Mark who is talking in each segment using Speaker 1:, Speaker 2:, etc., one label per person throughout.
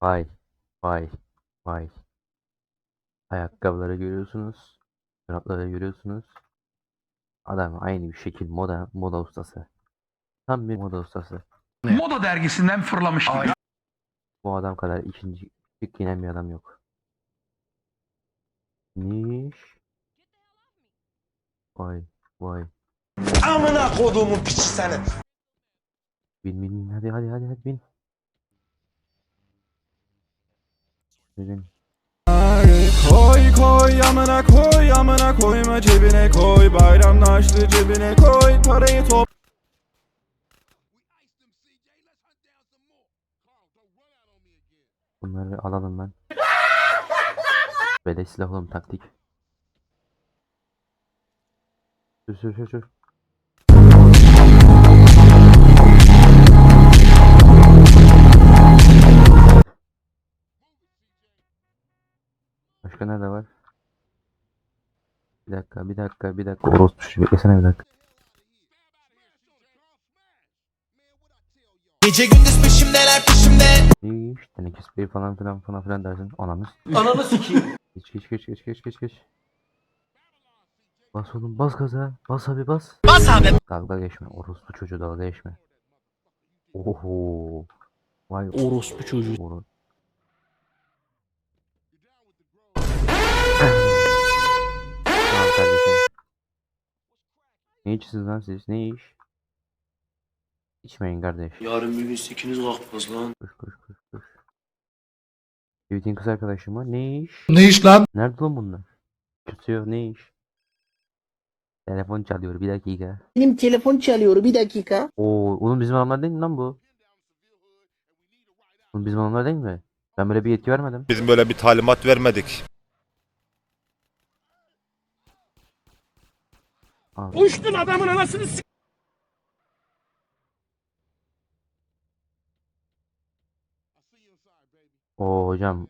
Speaker 1: Vay vay vay. Ayakkabıları görüyorsunuz. Çorapları görüyorsunuz. Adam aynı bir şekil moda ustası. Tam bir moda ustası.
Speaker 2: Moda dergisinden fırlamış gibi.
Speaker 1: Bu adam kadar ikinci şık giyinen bir adam yok. Niş. Vay vay.
Speaker 3: Amına koduğumun piçi seni.
Speaker 1: Bin hadi bin. Bin.
Speaker 4: Koy amına koyma cebine koy, bayramda açtı cebine koy, parayı top.
Speaker 1: Bunları alalım ben. Beleş silah oğlum, taktik. Sür. Başka nerede var? Bir dakika. Orospu çocuğu, beklesene bir dakika.
Speaker 3: Gece gündüz peşimdeler peşimde.
Speaker 1: İyi işte tenekes bey falan filan dersin. Anamız.
Speaker 3: Ananı sikeyim.
Speaker 1: Geç. Bas oğlum, bas gaza. Bas abi bas.
Speaker 3: Bas abi.
Speaker 1: Dalga geçme. Orospu çocuğu, dalga geçme. Oho. Vay orospu çocuğu. Tamam kardeşim. Ne içsiniz lan siz? Ne iş? İçmeyin kardeş.
Speaker 5: Yarın bir gün sikiniz kalkmaz lan.
Speaker 1: Koş. Tweet'in kız arkadaşım var. Ne iş?
Speaker 2: Ne iş lan?
Speaker 1: Nerede lan bunlar? Tutuyor, ne iş? Telefon çalıyor, bir dakika.
Speaker 6: Benim telefon çalıyor, bir dakika.
Speaker 1: Oo, oğlum bizim adamlar değil mi lan bu? Oğlum bizim adamlar değil mi? Ben böyle bir yetki vermedim.
Speaker 7: Biz böyle bir talimat vermedik.
Speaker 1: Abi.
Speaker 2: Uçtun adamın anasını s***.
Speaker 1: Oo hocam.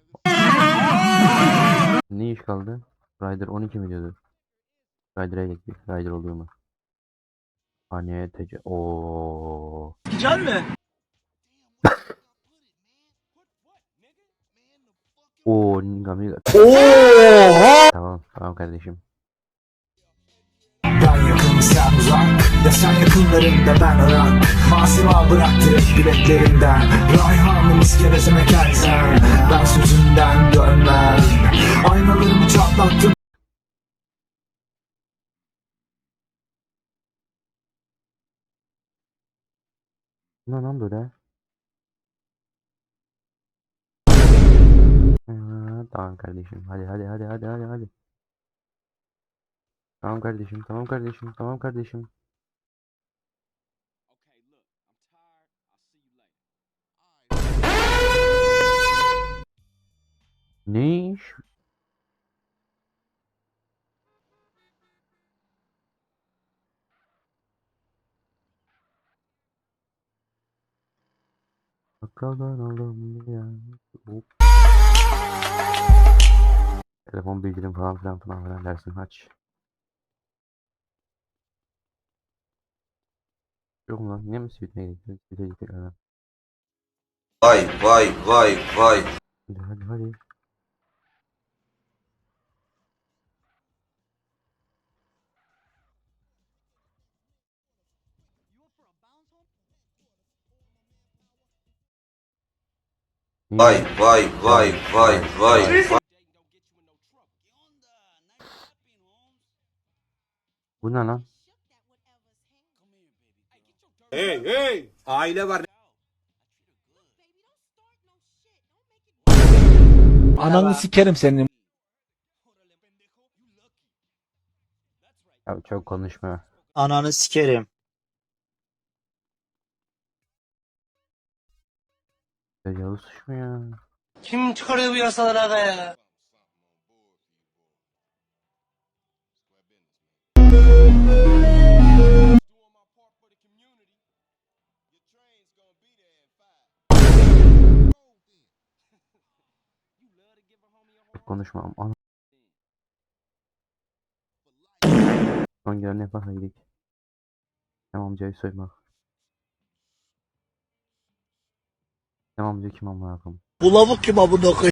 Speaker 1: Ne iş kaldı? Rider 12 mi diyordu? Rider'a gittik. Rider oluyor mu? Hani tece... Oo.
Speaker 3: Can mı?
Speaker 1: Oo, Nigamiga. Tamam kardeşim.
Speaker 8: Ben yakın sen uzak, ya sen yakınlarında ben Irak. Masima bıraktı biletlerinden, Rayhan'ın iskelesine kelsen. Ben sözünden dönmem, aynalarımı çatlattım.
Speaker 1: Ne lan böyle? Tamam kardeşim. Hadi. Tamam kardeşim. Ne iş? Bakalım oğlum ya. Hop. Telefon bildirim falan filan dersin, aç. Yok mu lan? Niye mi sweet'e gittik? Sweet'e gittik hemen.
Speaker 3: Vay.
Speaker 1: Hadi.
Speaker 3: Vay.
Speaker 1: Bu ne lan?
Speaker 3: Hey. Aile var.
Speaker 2: Ananı sikerim senin.
Speaker 1: Ya çok konuşma.
Speaker 6: Ananı sikerim.
Speaker 1: Tecavüz suç mu ya?
Speaker 3: Kim çıkarıyor bu yasaları aga ya?
Speaker 1: Çok konuşma. Ana. Son gelen ne yaparsa gidelim. Tamam, amcayı soyma. Tamam diyor kim amına koyayım.
Speaker 6: Bu lavuk kim amına koyayım?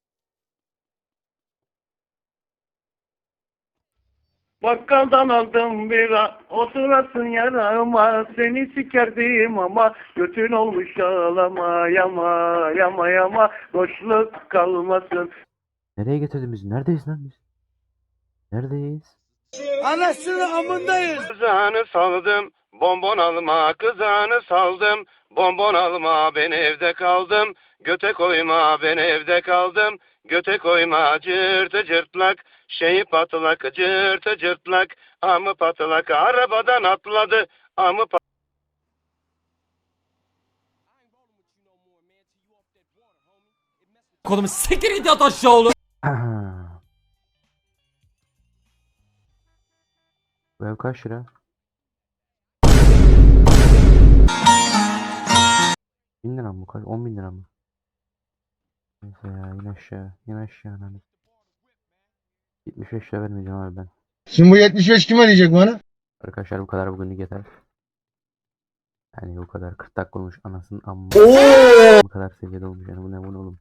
Speaker 5: Bakkaldan aldım bira, oturasın yarama, seni sikerdim ama götün olmuş yalama, yama, yama, yama, boşluk kalmasın.
Speaker 1: Nereye getirdin bizi? Neredeyiz lan biz? Neredeyiz?
Speaker 3: Kızağını saldım, bonbon alma, kızağını saldım, bonbon alma, ben evde kaldım, göte koyma, ben evde kaldım, göte koyma, cırtı cırtlak, şeyi patlak, cırtı cırtlak, amı patlak, arabadan atladı, amı
Speaker 2: Kodumu siktir git yat aşağı oğlum.
Speaker 1: Bu ev kaç lira? 1000 lira mı? Kaç? 10.000 lira mı? Neyse ya in aşağı. İn aşağı lan. 75 lira vermeyeceğim abi ben.
Speaker 9: Şimdi bu 75 kim ödeyecek bana?
Speaker 1: Arkadaşlar bu kadar bugünlük yeter. Yani bu kadar 40 dakika olmuş anasının amma. Bu kadar seviyede olmuş yani bu ne oğlum.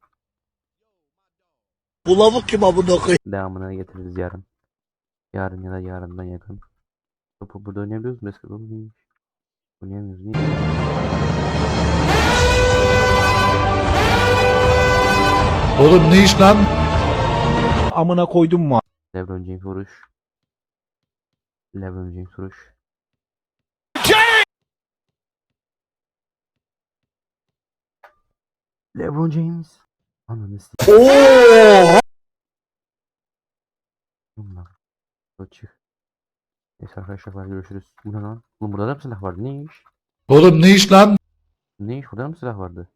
Speaker 6: Bu lavuk kim amına koyayım?
Speaker 1: Devamını getiririz yarın. Yarın ya da yarından yakın. Topu burada oynayabiliyoruz mu? Eski oğlum neymiş? Oynayamıyoruz. Niye?
Speaker 2: Oğlum ne iş lan? Amına koydum mu?
Speaker 1: LeBron James vuruş. LeBron James vuruş. LeBron James. Ananı s***. Lan. Çık. Neyse arkadaşlar görüşürüz. Bu ne lan? Oğlum burada da mı silah vardı? Ne iş?
Speaker 2: Oğlum ne iş lan?
Speaker 1: Ne iş? Burada mı silah vardı?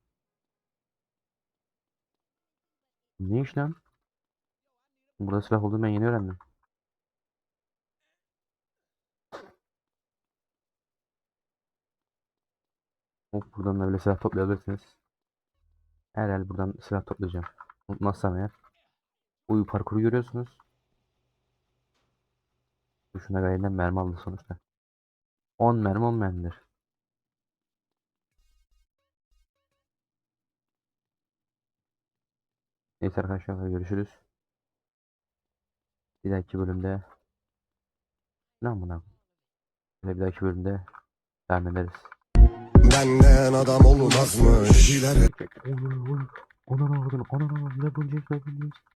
Speaker 1: Ne iş lan? Burada silah olduğunu ben yeni öğrendim. Hop buradan da böyle silah toplayabilirsiniz. Herhalde buradan silah toplayacağım. Unutmazsam eğer. Uyu parkuru görüyorsunuz. Şuna gayeden mermi aldı sonuçta. 10 mermi 10 mermidir. Neyse arkadaşlar görüşürüz. Bir dahaki bölümde lan buna. Bir dahaki bölümde devam ederiz.
Speaker 4: Benden adam olmazmış.
Speaker 1: Ona ne oldu? LeBron James.